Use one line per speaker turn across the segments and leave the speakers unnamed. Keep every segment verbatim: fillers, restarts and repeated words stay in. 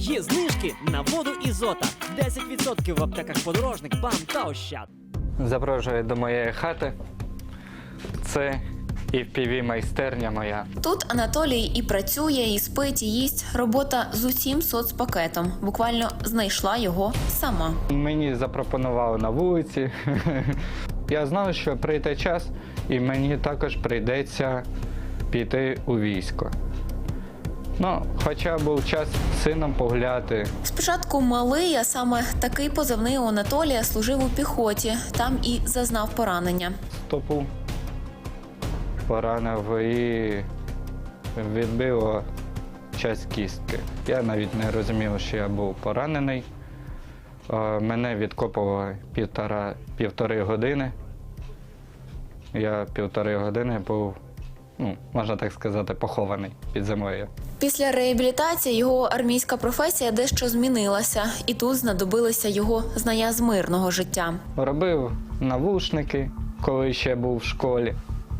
Є знижки на воду Ізота. десять відсотків в аптеках Подорожник, БАМ та Ощад.
Запрошую до моєї хати. Це і еф пі ві-майстерня моя.
Тут Анатолій і працює, і спить, і їсть. Робота з усім соцпакетом. Буквально знайшла його сама.
Мені запропонували на вулиці. Я знав, що прийде час, і мені також прийдеться піти у військо. Ну, хоча був час з сином погуляти.
Спочатку малий, а саме такий позивний у Анатолія служив у піхоті. Там і зазнав поранення.
Стопу поранив і відбило часть кістки. Я навіть не розумів, що я був поранений. Мене відкопували півтора, півтори години. Я півтори години був, ну, можна так сказати, похований під землею.
Після реабілітації його армійська професія дещо змінилася. І тут знадобилися його знання з мирного життя.
Робив навушники, коли ще був в школі.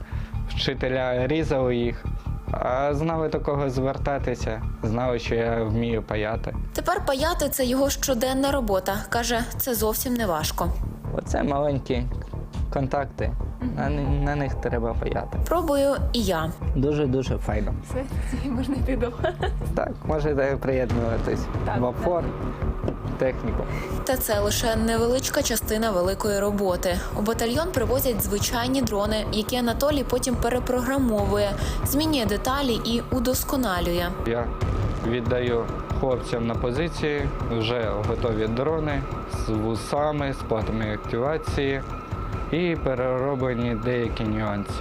Вчителя різали їх, а знали до кого звертатися, знали, що я вмію паяти.
Тепер паяти – це його щоденна робота. Каже, це зовсім не важко.
Оце маленькі контакти, на, на них треба паяти.
Пробую і я.
Дуже-дуже файно.
Все, ці можна йти вдома.
Так, можете приєднуватись в АФОР, техніку.
Та це лише невеличка частина великої роботи. У батальйон привозять звичайні дрони, які Анатолій потім перепрограмовує, змінює деталі і удосконалює.
Я віддаю хлопцям на позиції вже готові дрони з вусами, з платами активації і перероблені деякі нюанси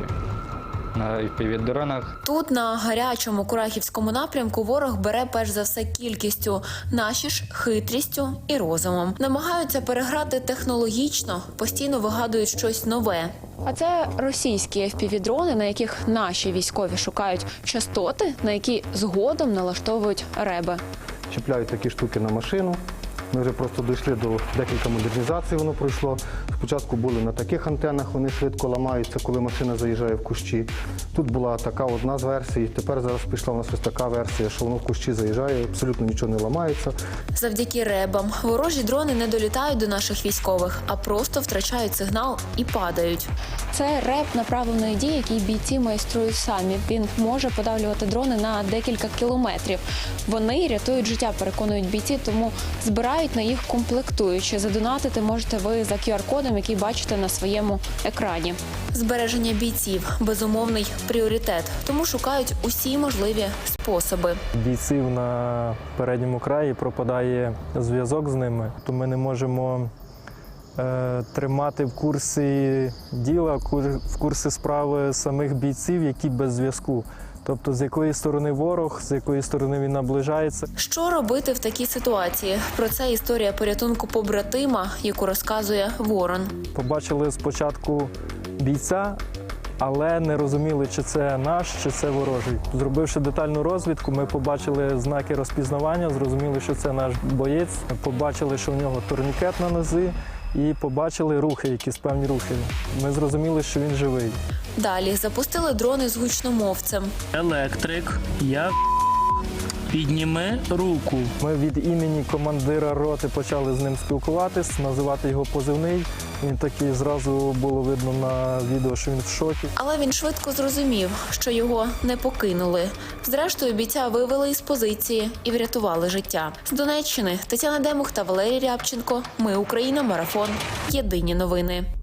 на еф пі ві-дронах.
Тут, на гарячому Курахівському напрямку, ворог бере перш за все кількістю, наші ж хитрістю і розумом. Намагаються переграти технологічно, постійно вигадують щось нове.
А це російські еф пі ві-дрони, на яких наші військові шукають частоти, на які згодом налаштовують реби.
Чіпляють такі штуки на машину. Ми вже просто дійшли до декілька модернізацій, воно пройшло. Спочатку були на таких антенах, вони швидко ламаються, коли машина заїжджає в кущі. Тут була така одна з версій, тепер зараз пішла у нас ось така версія, що воно в кущі заїжджає, абсолютно нічого не ламається.
Завдяки ребам ворожі дрони не долітають до наших військових, а просто втрачають сигнал і падають.
Це реб направленої дії, який бійці майструють самі. Він може подавлювати дрони на декілька кілометрів. Вони рятують життя, переконують бійці, тому збирають на їх комплектуючі. Задонатити можете ви за ку ар-кодом, який бачите на своєму екрані.
Збереження бійців – безумовний пріоритет, тому шукають усі можливі способи.
Бійців на передньому краї пропадає зв'язок з ними, то ми не можемо е, тримати в курсі діла, в курсі справи самих бійців, які без зв'язку. Тобто, з якої сторони ворог, з якої сторони він наближається.
Що робити в такій ситуації? Про це історія порятунку побратима, яку розказує Ворон.
Побачили спочатку бійця, але не розуміли, чи це наш, чи це ворожий. Зробивши детальну розвідку, ми побачили знаки розпізнавання, зрозуміли, що це наш боєць. Побачили, що в нього турнікет на нозі, і побачили рухи, якісь певні рухи. Ми зрозуміли, що він живий.
Далі запустили дрони з гучномовцем.
Електрик, я підніми руку.
Ми від імені командира роти почали з ним спілкуватись, називати його позивний. Він такий, зразу було видно на відео, що він в шокі.
Але він швидко зрозумів, що його не покинули. Зрештою, бійця вивели із позиції і врятували життя. З Донеччини Тетяна Демух та Валерій Рябченко. Ми Україна. Марафон. Єдині новини.